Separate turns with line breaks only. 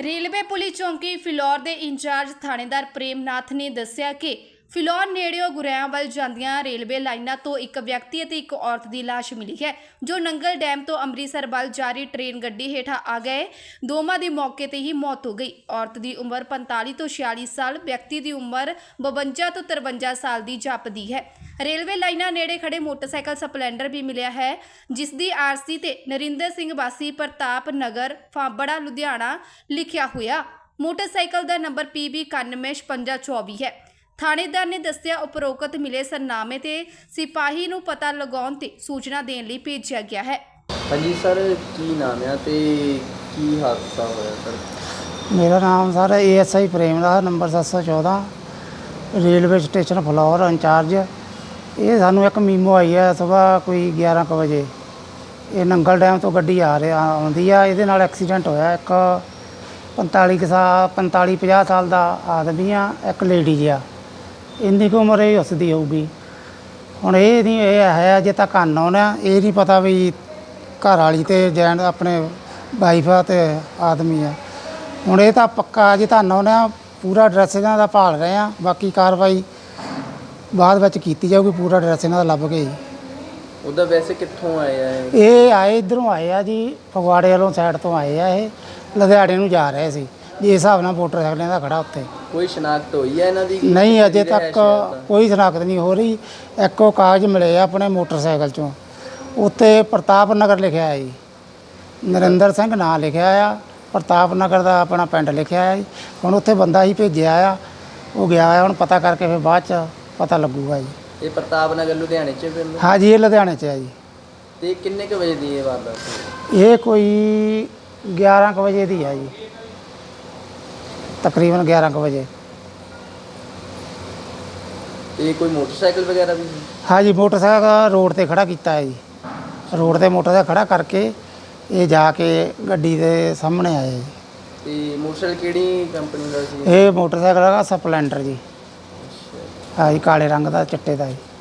Railway police ਚੌਂਕੀ ਫਿਲੌਰ ਦੇ incharge ਥਾਣੇਦਾਰ ਪ੍ਰੇਮਨਾਥ ਨੇ ਦੱਸਿਆ ਕਿ ਫਿਲੌਰ ਨੇੜਿਓਂ ਗੁਰੇਆਂ ਵੱਲ ਜਾਂਦੀਆਂ ਰੇਲਵੇ ਲਾਈਨਾਂ ਤੋਂ ਇੱਕ ਵਿਅਕਤੀ ਅਤੇ ਇੱਕ ਔਰਤ ਦੀ ਲਾਸ਼ ਮਿਲੀ ਹੈ ਜੋ ਨੰਗਲ ਡੈਮ ਤੋਂ ਅੰਮ੍ਰਿਤਸਰ ਵੱਲ ਜਾ ਰਹੀ ਟ੍ਰੇਨ ਗੱਡੀ ਹੇਠਾਂ ਆ ਗਏ। ਦੋਵਾਂ ਦੀ ਮੌਕੇ ਤੇ ਹੀ ਮੌਤ ਹੋ ਗਈ। ਔਰਤ ਦੀ ਉਮਰ 45 ਤੋਂ 46 ਸਾਲ, ਵਿਅਕਤੀ ਦੀ ਉਮਰ 52 ਤੋਂ 53 ਸਾਲ ਦੀ ਜਾਪਦੀ ਹੈ। ਰੇਲਵੇ ਲਾਈਨਾਂ ਨੇੜੇ ਖੜੇ ਮੋਟਰਸਾਈਕਲ ਸਪਲੈਂਡਰ ਵੀ ਮਿਲਿਆ ਹੈ ਜਿਸ ਦੀ ਆਰਸੀ ਤੇ ਨਰਿੰਦਰ ਸਿੰਘ ਵਾਸੀ ਪ੍ਰਤਾਪ ਨਗਰ ਫਾਂਬੜਾ ਲੁਧਿਆਣਾ ਲਿਖਿਆ ਹੋਇਆ। ਮੋਟਰਸਾਈਕਲ ਦਾ ਨੰਬਰ PB 915624 ਹੈ। ਥਾਣੇਦਾਰ ਨੇ ਦੱਸਿਆ ਉਪਰੋਕਤ ਮਿਲੇ ਸਰਨਾਮੇ ਤੇ ਸਿਪਾਹੀ ਨੂੰ ਪਤਾ ਲਗਾਉਣ ਤੇ ਸੂਚਨਾ ਦੇਣ ਲਈ ਭੇਜਿਆ ਗਿਆ ਹੈ।
ਹਾਂਜੀ ਸਰ, ਕੀ ਨਾਮ ਹੈ ਤੇ ਕੀ ਹਾਦਸਾ ਹੋਇਆ ਸਰ?
ਮੇਰਾ ਨਾਮ sir ASI Premnath, number 714, railway station Phillaur incharge. ਇਹ ਸਾਨੂੰ ਇੱਕ ਮੀਮੋ ਆਈ ਹੈ ਸਵੇਰ ਕੋਈ 11 ਕੁ ਵਜੇ। ਇਹ ਨੰਗਲ ਡੈਮ ਤੋਂ ਗੱਡੀ ਆਉਂਦੀ ਆ, ਇਹਦੇ ਨਾਲ ਐਕਸੀਡੈਂਟ ਹੋਇਆ। ਇੱਕ 45-50 ਸਾਲ ਦਾ ਆਦਮੀ ਆ, ਇੱਕ ਲੇਡੀਜ਼ ਆ। ਇੰਨੀ ਕੁ ਉਮਰ ਇਹ ਉਸਦੀ ਹੋਊਗੀ। ਹੁਣ ਇਹ ਨਹੀਂ, ਇਹ ਹੈ ਅਜੇ ਤੱਕ ਅਨਨੋਨ ਆ। ਇਹ ਨਹੀਂ ਪਤਾ ਵੀ ਘਰ ਵਾਲੀ ਤੇ ਜੈਨ ਆਪਣੇ ਵਾਈਫ ਆ ਤੇ ਆਦਮੀ ਆ। ਹੁਣ ਇਹ ਤਾਂ ਪੱਕਾ ਅਜੇ ਤਾਂ ਅਨਨੋਨ ਆ। ਪੂਰਾ ਐਡਰੈਸ ਇਹਨਾਂ ਦਾ ਭਾਲ ਰਹੇ ਆ। ਬਾਕੀ ਕਾਰਵਾਈ ਬਾਅਦ ਵਿੱਚ ਕੀਤੀ ਜਾਊਗੀ। ਪੂਰਾ ਐਡਰੈਸ ਇਹਨਾਂ ਦਾ ਲੱਭ ਕੇ।
ਉਹਦਾ ਵੈਸੇ ਕਿੱਥੋਂ ਆਏ ਆ
ਇਹ ਆਏ ਇੱਧਰੋਂ ਆਏ ਆ ਜੀ, ਫਗਵਾੜੇ ਵੱਲੋਂ ਸਾਈਡ ਤੋਂ ਆਏ ਆ। ਇਹ ਲੁਧਿਆਣੇ ਨੂੰ ਜਾ ਰਹੇ ਸੀ ਜਿਸ ਹਿਸਾਬ ਨਾਲ ਮੋਟਰਸਾਈਕਲਾਂ ਦਾ ਖੜਾ ਉੱਥੇ।
ਕੋਈ ਸ਼ਨਾਖਤ ਹੋਈ ਹੈ ਇਹਨਾਂ ਦੀ?
ਨਹੀਂ, ਅਜੇ ਤੱਕ ਕੋਈ ਸ਼ਨਾਖਤ ਨਹੀਂ ਹੋ ਰਹੀ। ਇੱਕੋ ਕਾਗਜ਼ ਮਿਲੇ ਆ ਆਪਣੇ ਮੋਟਰਸਾਈਕਲ 'ਚੋਂ, ਉੱਤੇ ਪ੍ਰਤਾਪ ਨਗਰ ਲਿਖਿਆ ਹੈ ਜੀ। ਨਰਿੰਦਰ ਸਿੰਘ ਨਾਂ ਲਿਖਿਆ ਆ, ਪ੍ਰਤਾਪ ਨਗਰ ਦਾ ਆਪਣਾ ਪਿੰਡ ਲਿਖਿਆ ਹੈ ਜੀ। ਹੁਣ ਉੱਥੇ ਬੰਦਾ ਹੀ ਭੇਜਿਆ ਆ, ਉਹ ਗਿਆ ਆ। ਹੁਣ ਪਤਾ ਕਰਕੇ ਫਿਰ ਬਾਅਦ 'ਚ ਪਤਾ ਲੱਗੂਗਾ ਜੀ।
ਇਹ ਪ੍ਰਤਾਪ ਨਗਰ ਲੁਧਿਆਣੇ 'ਚ ਪਿੰਡ?
ਹਾਂ ਜੀ, ਇਹ ਲੁਧਿਆਣੇ 'ਚ ਹੈ ਜੀ।
ਤੇ ਕਿੰਨੇ ਕੁ ਵਜੇ ਦੀ ਇਹ ਵਾਰਦਾਤ?
ਇਹ ਕੋਈ 11 ਕੁ ਵਜੇ ਦੀ ਹੈ ਜੀ, ਤਕਰੀਬਨ 11 ਕੁ ਵਜੇ।
ਤੇ ਕੋਈ ਮੋਟਰਸਾਈਕਲ ਵਗੈਰਾ ਵੀ?
ਹਾਂ ਜੀ, ਮੋਟਰਸਾਈਕਲ ਰੋਡ ਤੇ ਖੜਾ ਕੀਤਾ ਹੈ ਜੀ। ਰੋਡ ਤੇ ਮੋਟਰਸਾਈਕਲ ਖੜਾ ਕਰਕੇ ਇਹ ਜਾ ਕੇ ਗੱਡੀ ਦੇ ਸਾਹਮਣੇ ਆਏ ਜੀ।
ਤੇ ਮੋਟਰਸਾਈਕਲ ਕਿਹੜੀ ਕੰਪਨੀ ਦਾ ਸੀ?
ਇਹ ਮੋਟਰਸਾਈਕਲ ਹੈਗਾ ਸਪਲੈਂਡਰ ਜੀ। ਹਾਂ ਜੀ, ਕਾਲੇ ਰੰਗ ਦਾ, ਚਿੱਟੇ ਦਾ ਜੀ।